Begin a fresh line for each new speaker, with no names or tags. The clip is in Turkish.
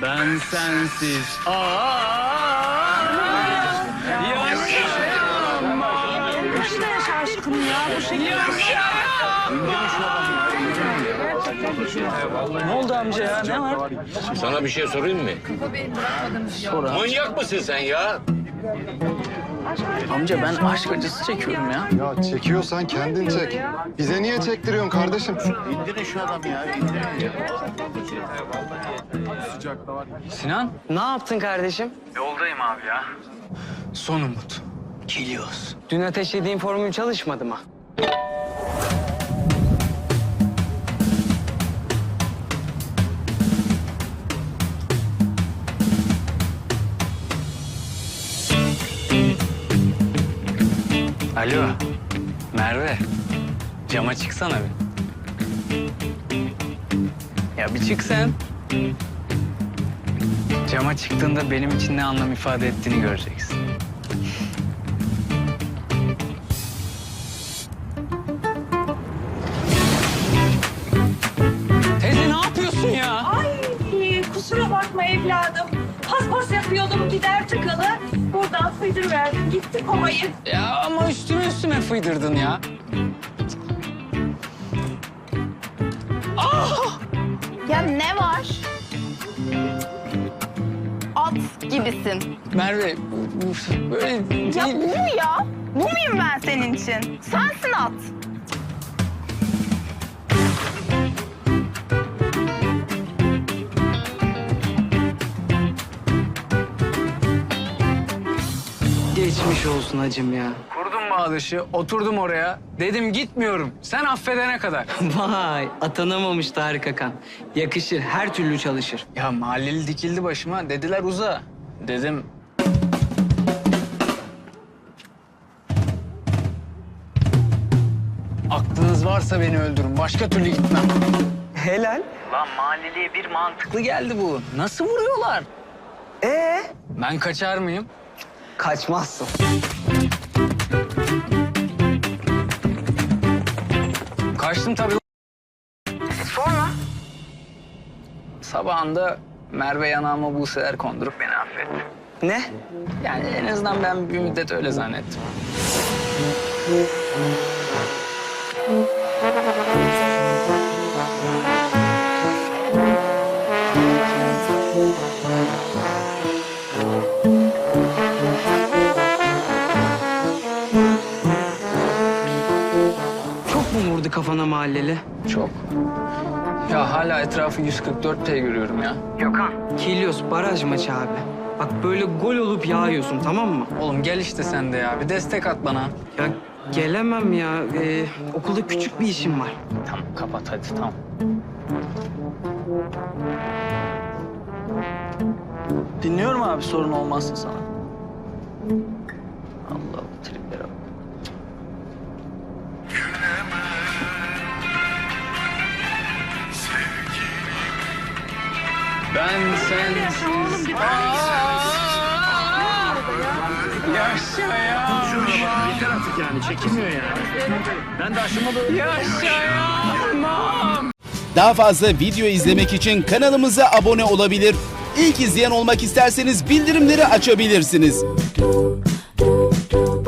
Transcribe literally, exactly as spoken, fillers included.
Ben sensiz. Aa! Yaşayamam.
Başına yaşa aşkım ya. Bu şekilde.
Ne oldu amca ya? Ne var?
Sana bir şey sorayım mı?
Sor abi.
Manyak mısın sen ya?
Amca ben aşk acısı çekiyorum ya.
Ya çekiyorsan kendin çek. Bize niye çektiriyorsun kardeşim?
Sinan?
Ne yaptın kardeşim?
Yoldayım abi ya. Son umut. Geliyoruz.
Dün ateşlediğin formül çalışmadı mı?
Alo. Merve. Cama çıksana bir. Ya bir çık sen. Cama çıktığında benim için ne anlam ifade ettiğini göreceksin. Teyze ne yapıyorsun ya?
Ay kusura bakma evladım. Paspas yapıyordum gider tıkalı. Buradan fıydır verdim gitti kovayı.
Ya ama üstüme üstüme fıydırdın ya.
Ya ne var? At gibisin.
Merve bu- böyle
Ya
değil.
bu mu ya? Bu muyum ben senin için? Sensin at.
Geçmiş olsun hacım ya.
Kurdum bağdaşı, oturdum oraya. Dedim gitmiyorum. Sen affedene kadar.
Vay, atanamamış Tarık Akan. Yakışır, her türlü çalışır.
Ya mahalleli dikildi başıma. Dediler uza. Dedim. Aklınız varsa beni öldürün. Başka türlü gitmem.
Helal.
Lan mahalleliye bir mantıklı geldi bu. Nasıl vuruyorlar?
Ee?
Ben kaçar mıyım?
Kaçmazsın.
Kaçtım tabii.
Sonra?
Sabahında Merve yanağıma buseler kondurup beni affetti.
Ne?
Yani en azından ben bir müddet öyle zannettim.
Çok mu vurdu kafana mahalleli?
Çok. Ya hala etrafı yüz kırk dört T görüyorum ya.
Gökhan. Kilios baraj maçı abi. Bak böyle gol olup yağıyorsun, tamam mı?
Oğlum gel işte sen de ya. Bir destek at bana.
Ya gelemem ya. Ee, okulda küçük bir işim var.
Tamam kapat hadi tamam. Dinliyorum abi sorun olmazsa sana. Allah bu triplere bak. Ben sensiz...
Oğlum bir
Yaşayamam.
Yeter artık yani çekilmiyor yani. Ben de aşıma böyle...
Yaşayamam.
Daha fazla video izlemek için kanalımıza abone olabilir. İlk izleyen olmak isterseniz bildirimleri açabilirsiniz.